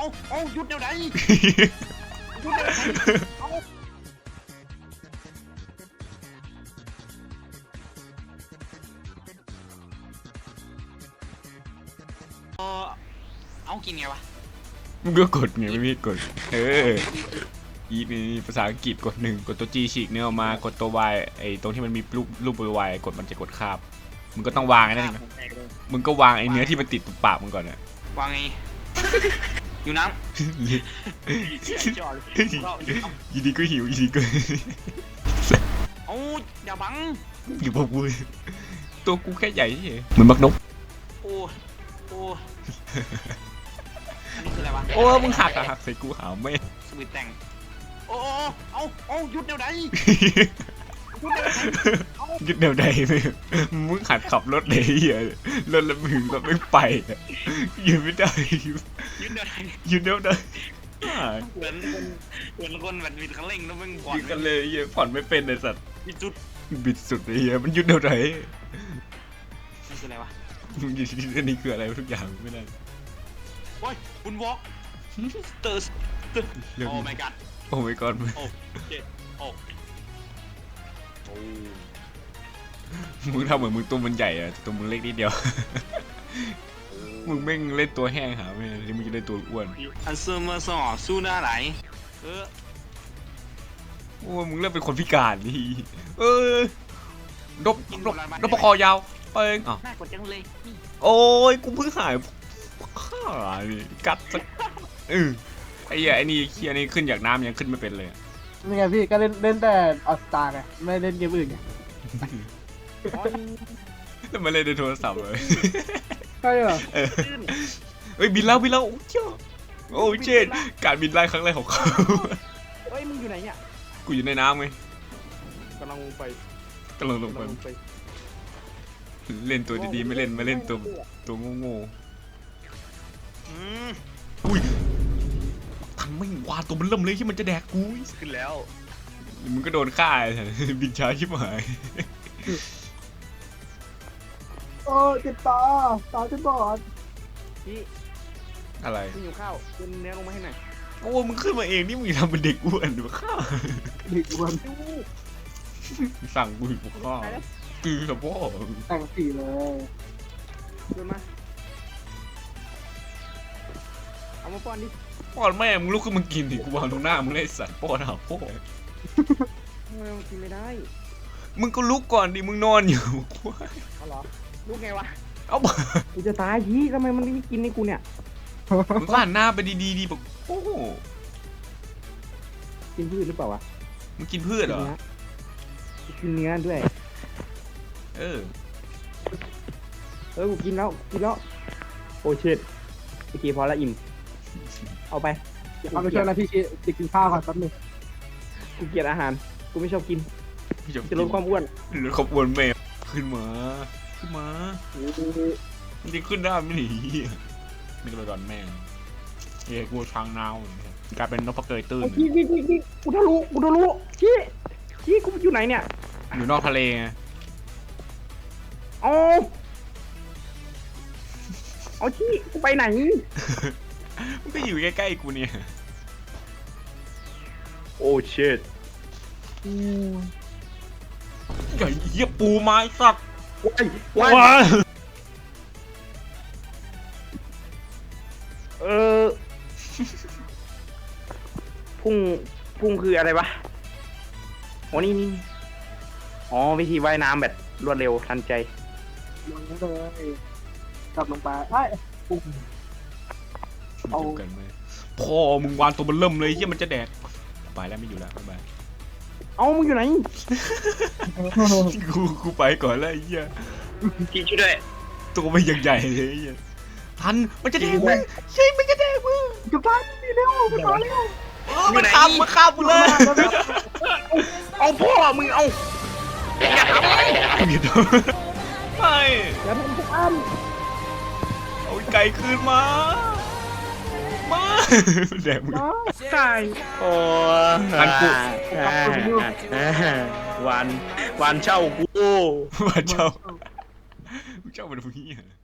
เอาหยุดเดี๋ยวไหนหยุดเดี๋ยวไหนเอากินไงวะมึงก็กดไงไม่มีกดอีมีภาษาอังกฤษกด1กดตัว G ฉีกเนื้อออกมากดตัว Y ไอ้ตรงที่มันมีรูป Y กดมันจะกดคาบมึงก็ต้องวางไอ้นั่นมึงก็วางไอ้เนื้อที่มันติดตุ่ปากมึงก่อนนะวางไงอยู่น้ำยีดีก็หิวยีดีก็เอาอย่าบังอยู่พวกกูตัวกูแค่ใหญ่เฉยเหมือนบักนกโอ้อันนี้คืออะไรวะโอ้มึงหักใส่กูหาไม่สวิตแต่งเอาหยุดเดี๋ยวไหนหยุดเดี๋ยวใดมึงหัดขับรถเลยเหี้ยรถละมึงรถไม่ไปหยุดไม่ได้หยุดเดี๋ยวใดเหมือนคนแบบบิดคันเร่งแล้วมึงผ่อนกันเลยเหี้ยผ่อนไม่เป็นไอ้สัตว์บิดสุดเลยเหี้ยมันหยุดเดี๋ยวใดนี่คืออะไรวะมึงหยุดอันนี้คืออะไรทุกอย่างไม่ได้โอ้ยบุญวอล์กเตอร์โอ้ my god โอ้ my god โอ้เจ็ดโอ้มึงทำเหมือนมึงตัวมันใหญ่อะตัวมึงเล็กนิดเดียวมึงแม่งเล่นตัวแห้งหาไม่ที่มึงจะเล่นตัวอ้วนอันเซอร์มาสอสู้หน้าไหลโอ้มึงเริ่มเป็นคนพิการนี่ดบปคอยาวไปน่ากดจังเลยโอ้ยกูเพิ่งหายข้านี่กัดสักไอ้นี่เคียนี่ขึ้นจากน้ำยังขึ้นไม่เป็นเลยนี่ไงพี่ก็เล่นแต่ออสตาไงไม่เล่นเกมอื่นไงแล้วมาเล่นในโทรศัพท์เลยใช่เหรอเฮ้ยบินแล้วโอ้เจ้าโอ้เจนการบินไล่ครั้งแรกของเขาเฮ้ยมึงอยู่ไหนเนี่ยกูอยู่ในน้ำไงกำลังลงไปเล่นตัวดีๆไม่เล่นตัวโง่อุ้ยทันไม่วาตัวมันเริ่มเลยที่มันจะแดกกูขึ้นแล้วมึงก็โดนฆ่าบินช้าชิบหายโอ้เจ็บตาจะบอดพี่อะไรพี่หิวข้าวขึ้นเนื้อลงมาให้หน่อยโอ้มึงขึ้นมาเองนี่มึงทำเป็นเด็กอ้วนหรือข้าเด็กอ้วนสั่งกูหิวข้าวคือสะโพกแต่งสีเลยเดินมาเอามาป้อนดิป้อนแม่มึงลุกขึ้นมากินดิกูวางตรงหน้ามึงเลยสัตว์ป้อนหาพ่อทำไมมึงกินไม่ได้มึงก็ลุกก่อนดิมึงนอนอยู่เอาเหรอลุกไงวะเอากูจะตายพี่ทำไมมันไม่กินในกูเนี่ยมึงก็หันหน้าไปดีแบบโอ้กินพืชหรือเปล่าวะมึงกินพืชเหรอกินเนื้อด้วยกูกินแล้วโอ้เชิดโอเคพอละอิ่มเอาไปเอาไปช่วยนะพี่จะกินข้าวก่อนแป๊บนึงกูเกลียดอาหารกูไม่ชอบกินจะลดความอ้วนแม่ขึ้นมามันจะขึ้นได้ไม่หนีนี่ก็ไปก่อนแม่กูช้างนาวกลายเป็นนกพะเกยตื้นพี่กูทะลุพี่กูอยู่ไหนเนี่ยอยู่นอกทะเลไงเอาที่กูไปไหนมันก็อยู่ใกล้ๆกูเนี่ยโอ้เชิดใหญ่เหี้ยปูไม้สักว้ายพุ่งคืออะไรวะโอ้นี่อ๋อวิธีว่ายน้ำแบบรวดเร็วทันใจลงเลยกลับลงไปพุ่งเอากันไหมพ่อมึงวางตัวมันเริ่มเลยเหี้ยมันจะแดกไปแล้วไม่อยู่แล้วบ๊ายบายมึงอยู่ไหนกูไปก่อนแล้วไอ้เหี้ยกินช่วยด้วยตัวมันยังใหญ่เลยไอ้เหี้ยทันมันจะแดกมึงใช่มันจะแดกมึงกลับบ้านนี่เร็วมันข้ามมึงเลยเอาพ่อมึงเอาอย่าทำไม่อย่าทำทุกอันเอาไก่คืนมาแดกมึงใช่โอ้ทันกูวันเช่ากูวันเช่ามันพวกนี้